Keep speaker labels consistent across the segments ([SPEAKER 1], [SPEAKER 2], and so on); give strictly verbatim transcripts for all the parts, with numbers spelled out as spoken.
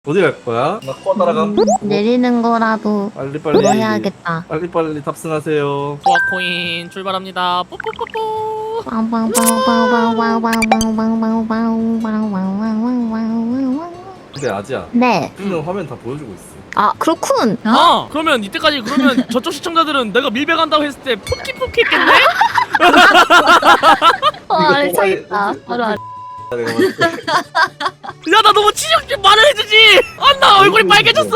[SPEAKER 1] 어디 갈 거야? 나 코아 따라가.
[SPEAKER 2] 음, 내리는 거라도
[SPEAKER 1] 빨리빨리.
[SPEAKER 2] 뭐 해야겠다.
[SPEAKER 1] 빨리빨리 탑승하세요.
[SPEAKER 3] 코아 코인 출발합니다. 뽀뽀뽀뽀.
[SPEAKER 1] 근데 아지야,
[SPEAKER 2] 네.
[SPEAKER 1] 찍는 화면 다 보여주고 있어.
[SPEAKER 2] 아 그렇군.
[SPEAKER 3] 아 그러면 이때까지 그러면 저쪽 시청자들은 내가 밀배간다고 했을 때 포키포키 했겠네?
[SPEAKER 2] 어,
[SPEAKER 1] 이거
[SPEAKER 2] 알겠다.
[SPEAKER 1] 뽑아야-
[SPEAKER 2] 바로 알.
[SPEAKER 1] 내가 봤을 때.
[SPEAKER 3] 야 나 너무 치욕 좀 말을 해주지. 아 나 얼굴이 빨개졌어.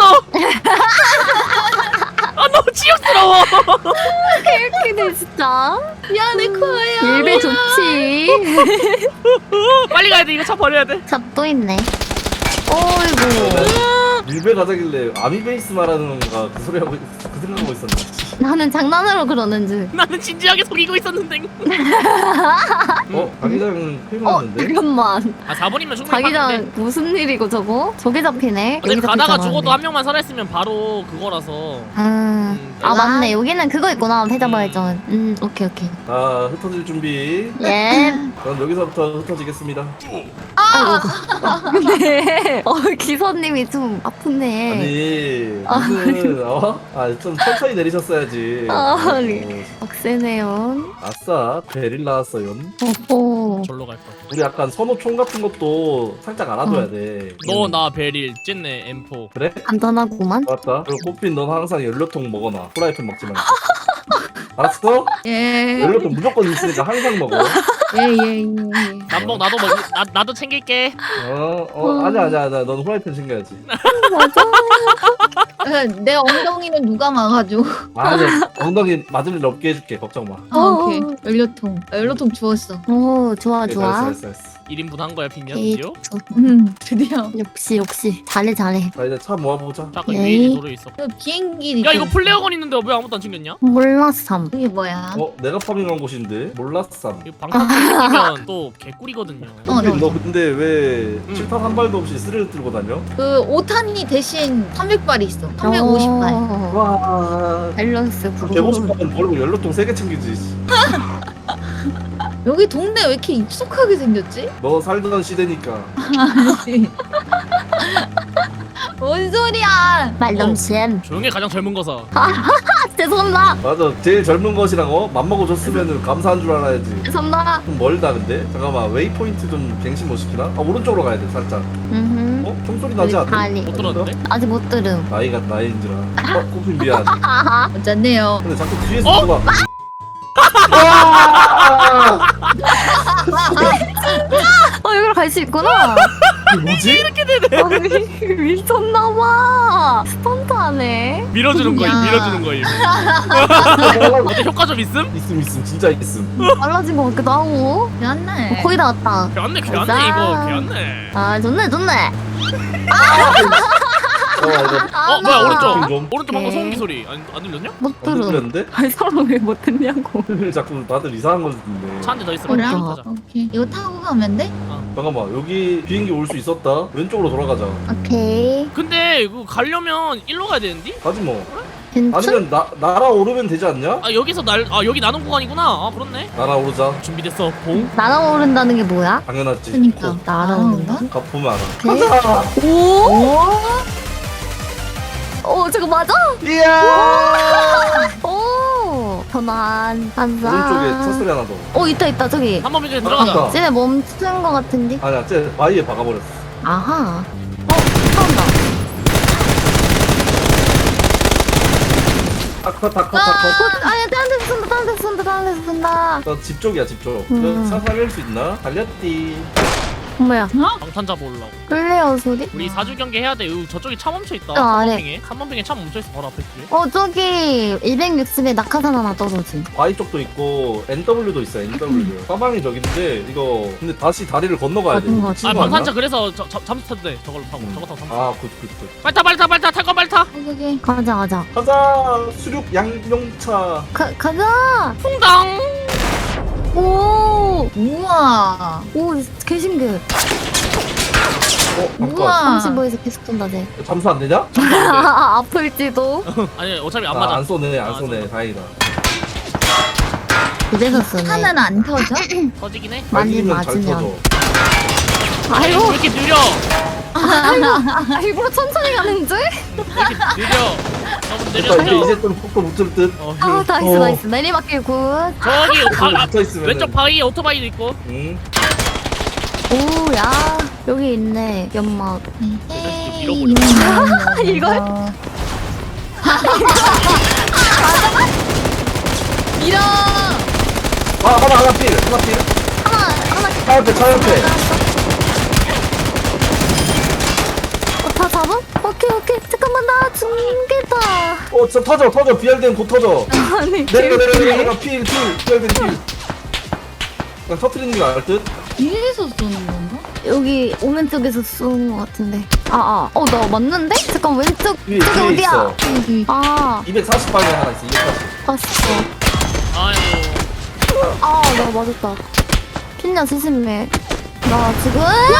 [SPEAKER 3] 아 너무 치욕스러워.
[SPEAKER 2] 웃기네 진짜.
[SPEAKER 4] 미안해 코아야.
[SPEAKER 2] 일배 좋지.
[SPEAKER 3] 빨리 가야 돼. 이거 차 버려야 돼.
[SPEAKER 2] 잡도 있네. 어이구.
[SPEAKER 1] 밀배 가자길래 아미베이스 말하는 건가 그 소리 하고 있- 그 생각하고 있었네.
[SPEAKER 2] 나는 장난으로 그러는 줄.
[SPEAKER 3] 나는 진지하게 속이고 있었는데.
[SPEAKER 1] 어? 자기장
[SPEAKER 2] 어
[SPEAKER 1] 필요한데?
[SPEAKER 2] 잠깐만.
[SPEAKER 3] 아 사 번이면 충분히 봤는데.
[SPEAKER 2] 자기장 무슨 일이고 저거? 저게 잡히네.
[SPEAKER 3] 근데
[SPEAKER 2] 여기서
[SPEAKER 3] 가다가
[SPEAKER 2] 잡았네.
[SPEAKER 3] 죽어도 한 명만 살아있으면 바로 그거라서.
[SPEAKER 2] 음.
[SPEAKER 3] 음,
[SPEAKER 2] 아 맞네. 여기는 그거 있구나. 패자발전. 음 오케이 오케이.
[SPEAKER 1] 아, 흩어질 준비.
[SPEAKER 2] 예.
[SPEAKER 1] 그럼 여기서부터 흩어지겠습니다.
[SPEAKER 2] 아이고. 네. 어 기사님이 좀 아프네.
[SPEAKER 1] 아니, 무슨, 어? 아, 좀 천천히 내리셨어야지.
[SPEAKER 2] 아,
[SPEAKER 1] 어,
[SPEAKER 2] 억세네요.
[SPEAKER 1] 아싸, 베릴 나왔어요.
[SPEAKER 2] 오호.
[SPEAKER 3] 절로 갈 거야.
[SPEAKER 1] 우리 약간 선호총 같은 것도 살짝 알아둬야
[SPEAKER 2] 어.
[SPEAKER 1] 돼.
[SPEAKER 3] 너 나 베릴 찐네 엠포.
[SPEAKER 1] 그래?
[SPEAKER 2] 간단하구만.
[SPEAKER 1] 맞다. 그리고 꽃핀 넌 항상 연료통 먹어놔. 프라이팬 먹지 말고. 알았어?
[SPEAKER 4] 예.
[SPEAKER 1] 연료통 무조건 있으니까 항상 먹어.
[SPEAKER 4] 예예예.
[SPEAKER 3] 남봉 나도 먹 나, 나도 챙길게.
[SPEAKER 1] 어, 어, 아니야, 아니야, 아니야. 넌 후라이팬 챙겨야지.
[SPEAKER 4] 내 엉덩이는 누가 막아줘?
[SPEAKER 1] 아, 네. 엉덩이 맞을 일 없게 해줄게. 걱정 마.
[SPEAKER 4] 아, 오케이. 연료통. 아, 연료통 주웠어.
[SPEAKER 2] 오 좋아
[SPEAKER 1] 네,
[SPEAKER 2] 좋아.
[SPEAKER 1] 잘했어, 잘했어, 잘했어.
[SPEAKER 3] 일 인분 한 거야 빈년
[SPEAKER 2] 에이,
[SPEAKER 3] 드디어?
[SPEAKER 4] 음 드디어.
[SPEAKER 2] 역시 역시 잘해 잘해.
[SPEAKER 1] 자, 이제 차 모아보자.
[SPEAKER 3] 자, 아까
[SPEAKER 2] 에이.
[SPEAKER 3] 위에 도로 있어.
[SPEAKER 4] 그 비행기.
[SPEAKER 3] 야 이거 플레어건 있는데 왜 아무도 안 챙겼냐?
[SPEAKER 2] 몰랐삼.
[SPEAKER 4] 이게 뭐야?
[SPEAKER 1] 어, 내가 파밍한 곳인데? 몰랐삼.
[SPEAKER 3] 이거 방탄 챙기면 또 개꿀이거든요.
[SPEAKER 4] 어,
[SPEAKER 1] 꽃핀,
[SPEAKER 4] 너.
[SPEAKER 1] 너 근데 왜
[SPEAKER 3] 음.
[SPEAKER 1] 칠탄 한 발도 없이 스릴 들고 다녀?
[SPEAKER 4] 그 오탄이 대신 삼백 발이 있어. 삼백오십 발.
[SPEAKER 2] 어,
[SPEAKER 1] 와.
[SPEAKER 2] 밸런스
[SPEAKER 1] 백오십
[SPEAKER 2] 부분.
[SPEAKER 1] 발은 버리고 연료통 세 개 챙기지.
[SPEAKER 4] 여기 동네 왜 이렇게 익숙하게 생겼지?
[SPEAKER 1] 너 살던 시대니까.
[SPEAKER 4] 뭔 소리야?
[SPEAKER 2] 말넘심.
[SPEAKER 3] 조용히 가장 젊은 거사.
[SPEAKER 2] 아 죄송합니다.
[SPEAKER 1] 맞아. 제일 젊은 것이랑 어? 맘먹어 줬으면 감사한 줄 알아야지.
[SPEAKER 2] 죄송합니다.
[SPEAKER 1] 좀 멀다 근데. 잠깐만. 웨이포인트 좀 갱신 못 시키나? 아, 오른쪽으로 가야 돼 살짝.
[SPEAKER 2] 음.
[SPEAKER 1] 어? 총소리 나지 않아?
[SPEAKER 2] 아니.
[SPEAKER 3] 못 들었는데?
[SPEAKER 2] 아직 못 들음.
[SPEAKER 1] 나이가 나이인지라. 어? 꽃핀 미안.
[SPEAKER 2] 하하.
[SPEAKER 4] 어쨌네요.
[SPEAKER 1] 근데 자꾸 뒤에서
[SPEAKER 3] 어?
[SPEAKER 1] 누가
[SPEAKER 2] 어 여기로 갈 수 있구나.
[SPEAKER 1] 이게 뭐지?
[SPEAKER 3] 이렇게 되네.
[SPEAKER 2] 아니 미쳤나봐. 스턴트하네.
[SPEAKER 3] 밀어주는 거임,
[SPEAKER 4] 야.
[SPEAKER 3] 밀어주는 거임. 어때 효과 좀 있음?
[SPEAKER 1] 있음 있음 진짜 있음.
[SPEAKER 2] 빨라진 것 같기도 하고.
[SPEAKER 4] 미안해.
[SPEAKER 2] 어, 거의 다 왔다.
[SPEAKER 3] 개안네,
[SPEAKER 2] 가자.
[SPEAKER 3] 개안네 이거, 개안네.
[SPEAKER 2] 아 좋네 좋네.
[SPEAKER 1] 어 이거
[SPEAKER 3] 어 뭐야 오른쪽,
[SPEAKER 1] 좀.
[SPEAKER 3] 오른쪽 방금
[SPEAKER 2] 오케이.
[SPEAKER 3] 소음기 소리 안, 안 들렸냐?
[SPEAKER 2] 못
[SPEAKER 1] 안
[SPEAKER 2] 들음.
[SPEAKER 1] 들렸는데?
[SPEAKER 2] 아니 사람 왜 못 듣냐고.
[SPEAKER 1] 자꾸 다들 이상한 거 듣는데.
[SPEAKER 3] 차 한 대 더 있어.
[SPEAKER 4] 뭐야?
[SPEAKER 3] 가자.
[SPEAKER 4] 오케이. 이거 타고 가면 돼?
[SPEAKER 1] 잠깐만 여기 비행기 올 수 있었다. 왼쪽으로 돌아가자.
[SPEAKER 2] 오케이.
[SPEAKER 3] 근데 이거 가려면 일로 가야 되는데?
[SPEAKER 1] 가지 뭐.
[SPEAKER 2] 괜찮?
[SPEAKER 1] 아니면 나 날아오르면 되지 않냐?
[SPEAKER 3] 아 여기서 날, 아 여기 나눈 구간이구나. 아 그렇네.
[SPEAKER 1] 날아오르자.
[SPEAKER 3] 준비됐어. 봉.
[SPEAKER 2] 날아오른다는 게 뭐야?
[SPEAKER 1] 당연하지.
[SPEAKER 4] 그니까.
[SPEAKER 1] 코.
[SPEAKER 2] 날아오른다?
[SPEAKER 1] 가 보면 알아.
[SPEAKER 2] 오케이.
[SPEAKER 1] 가자.
[SPEAKER 2] 오? 어 저거 맞아?
[SPEAKER 1] 이야.
[SPEAKER 2] 오 전환 반사.
[SPEAKER 1] 오른쪽에 차 소리 하나 더.
[SPEAKER 2] 어 있다 있다 저기.
[SPEAKER 3] 한 번만 전에
[SPEAKER 1] 아,
[SPEAKER 3] 들어가자.
[SPEAKER 1] 아.
[SPEAKER 2] 쟤네 멈춘 거 같은데.
[SPEAKER 1] 아니야, 쟤 바위에 박아버렸어.
[SPEAKER 2] 아하. 어 싸운다.
[SPEAKER 1] 타커 타커
[SPEAKER 2] 어,
[SPEAKER 1] 타커.
[SPEAKER 2] 아니 다른 데서 쏜다 다른 데서 쏜다 다른 데서 쏜다.
[SPEAKER 1] 나집 쪽이야 집 쪽.
[SPEAKER 2] 음.
[SPEAKER 1] 차 살릴 수 있나? 달렸디.
[SPEAKER 2] 뭐야?
[SPEAKER 3] 방탄 잡아오려고.
[SPEAKER 2] 끌레어 소리?
[SPEAKER 3] 우리 사주 경계 해야 돼. 으, 저쪽에 차 멈춰 있다.
[SPEAKER 2] 어,
[SPEAKER 3] 삼
[SPEAKER 2] 아래.
[SPEAKER 3] 번 빙에. 삼 번 빙에 차 멈춰 있어 바로 앞에 뒤에.
[SPEAKER 2] 어 저기 이백육십에 낙하산 하나 떨어짐.
[SPEAKER 1] 바위 쪽도 있고 엔더블유도 있어 엔더블유. 사방이 저긴데 이거 근데 다시 다리를 건너가야 돼.
[SPEAKER 2] 맞은 거
[SPEAKER 1] 미친
[SPEAKER 3] 아
[SPEAKER 1] 거
[SPEAKER 3] 방탄차
[SPEAKER 1] 아니야?
[SPEAKER 3] 그래서 저, 저, 잠수 타도 돼. 저걸로 타고.
[SPEAKER 1] 음.
[SPEAKER 3] 저거 타고 잠수.
[SPEAKER 1] 아, 굿, 굿, 굿.
[SPEAKER 3] 빨리 타, 빨리 타, 빨리 타. 탈 거 빨리 타.
[SPEAKER 4] 여기.
[SPEAKER 2] 가자 가자.
[SPEAKER 1] 가자! 수륙 양용차.
[SPEAKER 2] 가 가자.
[SPEAKER 3] 풍당.
[SPEAKER 2] 오.
[SPEAKER 4] 우와.
[SPEAKER 2] 오 개신기.
[SPEAKER 1] 어, 잠깐.
[SPEAKER 4] 우와.
[SPEAKER 2] 삼십오에서 계속 쏜다 쟤.
[SPEAKER 1] 잠수 안 되냐?
[SPEAKER 2] 아플지도.
[SPEAKER 3] 아니 어차피 안
[SPEAKER 1] 아,
[SPEAKER 3] 맞아.
[SPEAKER 1] 안 쏘네, 안
[SPEAKER 3] 아,
[SPEAKER 1] 쏘네.
[SPEAKER 3] 쏘네.
[SPEAKER 1] 다행이다.
[SPEAKER 2] 그대서 쓰네.
[SPEAKER 4] 하나는 안 터져?
[SPEAKER 3] 터지긴 해.
[SPEAKER 2] 많이
[SPEAKER 1] 맞으면 잘
[SPEAKER 2] 맞으면.
[SPEAKER 1] 터져.
[SPEAKER 3] 아니
[SPEAKER 2] 아이고.
[SPEAKER 3] 왜 이렇게 느려?
[SPEAKER 2] 아, 일부러 천천히 가는 줄?
[SPEAKER 3] 왜 이렇게 느려? 너무
[SPEAKER 1] 됐다, 이제
[SPEAKER 3] 느려.
[SPEAKER 1] 이제 좀 속도 붙을 듯.
[SPEAKER 3] 어,
[SPEAKER 2] 아 나이스
[SPEAKER 1] 어.
[SPEAKER 2] 나이스 내리막길 굿.
[SPEAKER 3] 저기 바, 아,
[SPEAKER 1] 붙어 있으면
[SPEAKER 3] 왼쪽 바위에 오토바이도 있고.
[SPEAKER 1] 응.
[SPEAKER 2] 오야 여기 있네 연막.
[SPEAKER 4] 에이,
[SPEAKER 3] 밀어버려.
[SPEAKER 2] 이걸?
[SPEAKER 4] 밀어.
[SPEAKER 1] 아 하나 하나 필 하나 필.
[SPEAKER 2] 하나 하나
[SPEAKER 1] 차 옆에 차 옆에.
[SPEAKER 2] 어, 다 잡음? 오케이 오케이 잠깐만 나 죽겠다.
[SPEAKER 1] 어 진짜 터져 터져 비알된 곧 터져.
[SPEAKER 2] 아니
[SPEAKER 1] 내려 내려 내려 내려 필필 비알된 필. 그냥 터트리는 게 나을 듯.
[SPEAKER 4] 이래서 쏘는 건가?
[SPEAKER 2] 여기 오른쪽에서 쏘는 것 같은데. 아아 어 나 맞는데? 잠깐 왼쪽
[SPEAKER 1] 위에
[SPEAKER 2] 저기
[SPEAKER 1] 위에
[SPEAKER 2] 어디야?
[SPEAKER 1] 있어.
[SPEAKER 4] 여기.
[SPEAKER 2] 아
[SPEAKER 1] 이백사십 방에 하나 있어 이백사십.
[SPEAKER 2] 봤어.
[SPEAKER 3] 아이고.
[SPEAKER 2] 아 나 맞았다. 핀냐 조심해. 나 지금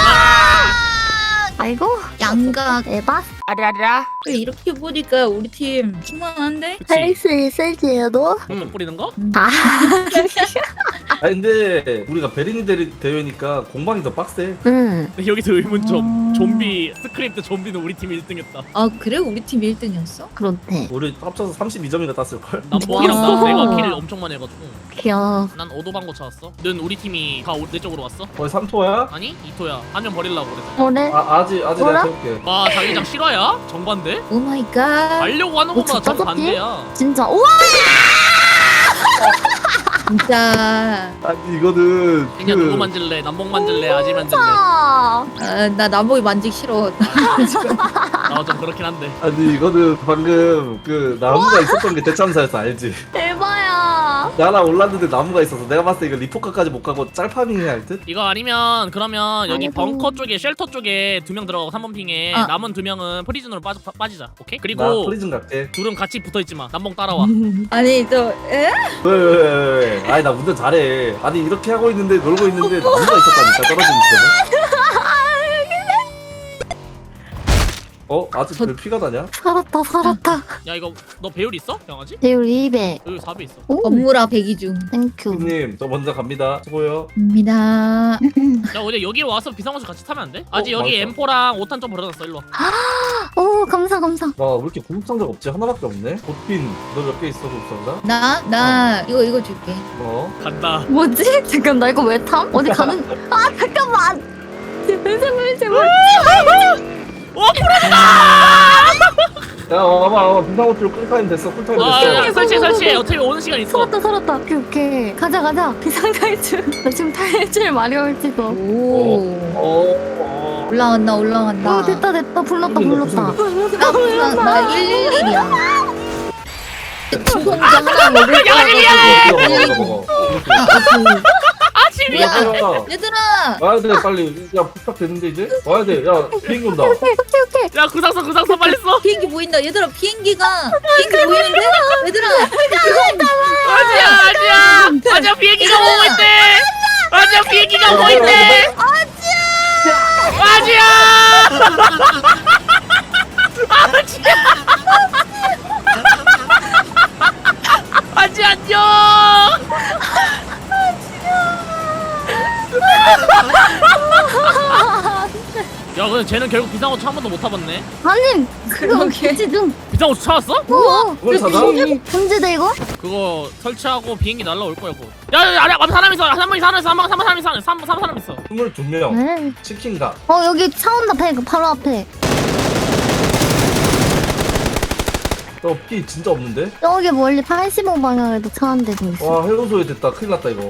[SPEAKER 2] 아이고
[SPEAKER 4] 양각.
[SPEAKER 2] 에바
[SPEAKER 3] 아라라.
[SPEAKER 4] 이렇게 보니까 우리 팀 충만한데?
[SPEAKER 2] 할 수 있을지요 너?
[SPEAKER 3] 똥 뿌리는 거?
[SPEAKER 2] 아
[SPEAKER 1] 아 근데 우리가 베리니 대- 대회니까 공방이 더 빡세.
[SPEAKER 2] 응.
[SPEAKER 3] 근데 여기서 의문점.
[SPEAKER 4] 음.
[SPEAKER 3] 좀비 스크립트 좀비는 우리 팀이 일 등했다.
[SPEAKER 4] 아 그래? 우리 팀 일 등이었어?
[SPEAKER 2] 그렇대.
[SPEAKER 1] 우리 합쳐서 삼십이 점이나 땄을걸?
[SPEAKER 3] 남봉이랑
[SPEAKER 4] 와.
[SPEAKER 3] 나 내가 킬을 엄청 많이 해가지고.
[SPEAKER 2] 귀여워.
[SPEAKER 3] 난 오도방고 찾았어. 는 우리 팀이 다 내 쪽으로 왔어?
[SPEAKER 1] 거의 삼 토야?
[SPEAKER 3] 아니 이토야. 한 명 버리려고 그랬어.
[SPEAKER 2] 뭐래?
[SPEAKER 1] 아 아직 아직
[SPEAKER 2] 뭐라?
[SPEAKER 1] 내가 해볼게.
[SPEAKER 3] 와 자기장 실화야? 정반대?
[SPEAKER 4] 오 마이 갓.
[SPEAKER 3] 가려고 하는
[SPEAKER 2] 어,
[SPEAKER 3] 것보다
[SPEAKER 2] 진짜
[SPEAKER 3] 정반대야.
[SPEAKER 2] 진짜 우와
[SPEAKER 4] 진짜.
[SPEAKER 1] 아니 이거는
[SPEAKER 3] 그냥 누구 만질래? 남봉 만질래? 아지 만질래?
[SPEAKER 2] 아
[SPEAKER 4] 아, 나 남보이 만지기 싫어.
[SPEAKER 3] 나 좀 그렇긴 한데.
[SPEAKER 1] 아니 이거는 방금 그 나무가 있었던 게 대참사였어 알지?
[SPEAKER 2] 대박이야.
[SPEAKER 1] 나랑 올랐는데 나무가 있어서 내가 봤을 때 이거 리포카까지 못 가고 짤파밍해야 할 듯?
[SPEAKER 3] 이거 아니면 그러면 여기
[SPEAKER 2] 아이고.
[SPEAKER 3] 벙커 쪽에 쉘터 쪽에 두 명 들어가고 삼 번 핑에
[SPEAKER 4] 아.
[SPEAKER 3] 남은 두 명은 프리즌으로 빠져, 빠, 빠지자. 오케이?
[SPEAKER 1] 나
[SPEAKER 3] 그리고
[SPEAKER 1] 프리즌 갈게.
[SPEAKER 3] 둘은 같이 붙어있지마. 남봉 따라와.
[SPEAKER 4] 아니 저 에?
[SPEAKER 1] 왜왜왜 왜? 아니 나 운전 잘해. 아니 이렇게 하고 있는데 놀고 있는데 나무가 있었다니까 떨어진 집에. 어? 아직 별 피가 나냐?
[SPEAKER 2] 살았다 살았다.
[SPEAKER 3] 야 이거 너 배율 있어? 강아지?
[SPEAKER 2] 배율 이백.
[SPEAKER 3] 여기 사 배 있어.
[SPEAKER 2] 오
[SPEAKER 4] 업무라 배기 중.
[SPEAKER 2] 땡큐.
[SPEAKER 1] 형님 저 먼저 갑니다. 수고요.
[SPEAKER 4] 입니다.
[SPEAKER 3] 야 근데 여기로 와서 비상호수 같이 타면 안 돼? 아직
[SPEAKER 1] 어,
[SPEAKER 3] 여기
[SPEAKER 1] 맞아.
[SPEAKER 3] 엠포랑 오 탄 좀 버려놨어. 일로 와.
[SPEAKER 2] 오 감사 감사.
[SPEAKER 1] 나 왜 이렇게 구급상자가 없지? 하나밖에 없네? 보핀 너 몇 개 있어 구급상자?
[SPEAKER 4] 나 나 이거 이거 줄게.
[SPEAKER 1] 어?
[SPEAKER 3] 간다.
[SPEAKER 2] 뭐지? 잠깐 나 이거 왜 탐? 어디 가는? 아 잠깐만. 제발 제발 제발.
[SPEAKER 3] 오 풀어!
[SPEAKER 1] 야 와봐 와봐 비상호출 꿀타임 됐어 꿀타임
[SPEAKER 3] 아,
[SPEAKER 1] 됐어.
[SPEAKER 3] 야, 설치해 설치해. 어차피 오는 시간 있어.
[SPEAKER 2] 살았다 살았다. 오케이 오케이. 가자 가자. 비상 탈출. 나 지금 탈출 마려울지도.
[SPEAKER 4] 오.
[SPEAKER 1] 어, 어.
[SPEAKER 4] 올라간다 올라간다.
[SPEAKER 2] 오 됐다 됐다 불렀다
[SPEAKER 1] 무슨
[SPEAKER 2] 불렀다.
[SPEAKER 4] 나 불러 나 일일일이야. 주성자 하나 먹을
[SPEAKER 3] 야,
[SPEAKER 4] 거야.
[SPEAKER 3] 아니야!
[SPEAKER 1] 먹어 먹어 먹어.
[SPEAKER 3] 아침이야.
[SPEAKER 4] 야.
[SPEAKER 1] 야,
[SPEAKER 4] 얘들아.
[SPEAKER 1] 와야 돼 빨리. 야 부탁 되는데 이제? 와야 돼. 야 비행기 온다.
[SPEAKER 2] 오케이 오케이 오케이.
[SPEAKER 3] 야 구상서 구상서 빨리 써.
[SPEAKER 4] 비행기 보인다. 얘들아 비행기가 비행기 보이는데? 얘들아.
[SPEAKER 3] 아지야 아지야. 아지야 비행기가 오고 있대. 아지야 비행기가 오고 있대. 아지야. 아지야. 아지 안녕. 야 근데 쟤는 결국 비상호출 한 번도 못 타봤네.
[SPEAKER 2] 아니 그거
[SPEAKER 4] 그러게.
[SPEAKER 2] 그지 좀.
[SPEAKER 3] 비상호출 찾았어?
[SPEAKER 2] 우와.
[SPEAKER 1] 그걸 찾아?
[SPEAKER 2] 금지돼 이거?
[SPEAKER 3] 그거 설치하고 비행기 날라올 거야 그거. 야, 야, 아래 앞에 사람 있어. 한 명이 사람 있어. 한번 사람 있어. 삼 삼 사람 있어.
[SPEAKER 1] 스물두 명.
[SPEAKER 2] 네.
[SPEAKER 1] 치킨가.
[SPEAKER 2] 어 여기 차 온다 배 바로 앞에.
[SPEAKER 1] 너피 진짜 없는데?
[SPEAKER 2] 여기 멀리 팔십오 방향에도 차 한 대도 있어.
[SPEAKER 1] 와 해운소에 됐다. 큰일 났다 이거.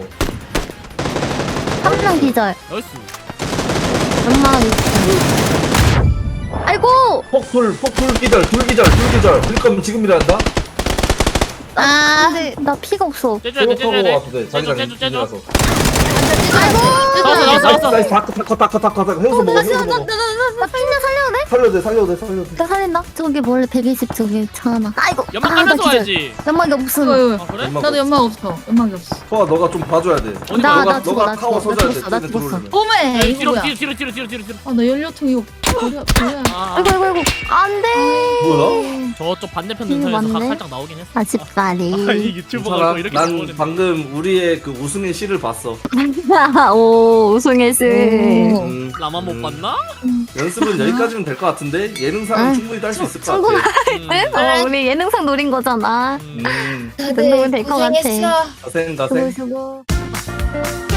[SPEAKER 2] 한 명 기절.
[SPEAKER 3] 나이스.
[SPEAKER 2] 연막 있어. 아이고.
[SPEAKER 1] 폭풀 폭풀 기절 둘 기절 둘 기절. 그럴 거면 지금이라 한다.
[SPEAKER 4] 아.
[SPEAKER 2] 근데 나 피가 없어.
[SPEAKER 3] 째줘야 돼, 째줘야 돼.
[SPEAKER 1] 와도 돼.
[SPEAKER 3] 째줘,
[SPEAKER 1] 자기장
[SPEAKER 3] 째줘, 째줘.
[SPEAKER 1] 라서
[SPEAKER 2] 아이고.
[SPEAKER 3] 나왔어, 나왔어, 나왔어.
[SPEAKER 1] 나이스 다크 타커 타커 타커 타커. 해운소 먹어 해운소 먹어.
[SPEAKER 2] 나 핀냐 살려도 돼?
[SPEAKER 1] 살려도 돼 살려도 돼 살려도 돼.
[SPEAKER 2] 나 살린다. 저기 멀리 백이십 저기 차 하나. 아이고.
[SPEAKER 3] 연막
[SPEAKER 2] 아,
[SPEAKER 3] 깔면서
[SPEAKER 2] 나 기절.
[SPEAKER 3] 와야지.
[SPEAKER 2] 연막이 없음.
[SPEAKER 4] 어,
[SPEAKER 3] 아 그래?
[SPEAKER 1] 연막
[SPEAKER 4] 나도 연막 없어. 연막이 없어.
[SPEAKER 1] 소아 너가 좀 봐줘야 돼.
[SPEAKER 3] 어디
[SPEAKER 2] 나,
[SPEAKER 3] 가?
[SPEAKER 1] 너가
[SPEAKER 2] 나 죽어,
[SPEAKER 1] 너가
[SPEAKER 2] 나
[SPEAKER 1] 타워
[SPEAKER 2] 죽어, 나
[SPEAKER 1] 서줘야 돼.
[SPEAKER 2] 죽었어, 나
[SPEAKER 1] 쟤네
[SPEAKER 2] 죽었어.
[SPEAKER 1] 들어오려면.
[SPEAKER 4] 오메
[SPEAKER 3] 야,
[SPEAKER 4] 이거
[SPEAKER 3] 뒤로
[SPEAKER 4] 뭐야?
[SPEAKER 3] 뒤로 뒤로 뒤로 뒤로 뒤로 뒤로.
[SPEAKER 4] 아 나 연료통 이거 버려 버려.
[SPEAKER 3] 아,
[SPEAKER 2] 아이고 아이고 아이고. 안 돼.
[SPEAKER 1] 뭐야?
[SPEAKER 3] 저쪽 반대편
[SPEAKER 2] 힘이
[SPEAKER 3] 능선에서 각
[SPEAKER 2] 많네.
[SPEAKER 3] 살짝 나오긴 했어.
[SPEAKER 2] 아쉽다리.
[SPEAKER 3] 아이 유튜버가
[SPEAKER 1] 괜찮아.
[SPEAKER 3] 또 이렇게
[SPEAKER 1] 난
[SPEAKER 3] 나오는데.
[SPEAKER 1] 방금 우리의 그 우승의 시를 봤어.
[SPEAKER 2] 오 우승의 수.
[SPEAKER 4] 오.
[SPEAKER 1] 음,
[SPEAKER 3] 나만 못
[SPEAKER 1] 음,
[SPEAKER 3] 봤나?
[SPEAKER 1] 연습은 여기까지는 될 것 같은데 예능상은
[SPEAKER 2] 응.
[SPEAKER 1] 충분히 딸 수 있을 것
[SPEAKER 2] 충분히-
[SPEAKER 1] 같아.
[SPEAKER 3] 음.
[SPEAKER 2] 어, 우리 예능상 노린 거잖아.
[SPEAKER 3] 음.
[SPEAKER 1] 음,
[SPEAKER 2] 정도면
[SPEAKER 4] 다들
[SPEAKER 2] 될것 같아.
[SPEAKER 4] 고생했어.
[SPEAKER 1] 가생 가생.
[SPEAKER 2] 수고 수고.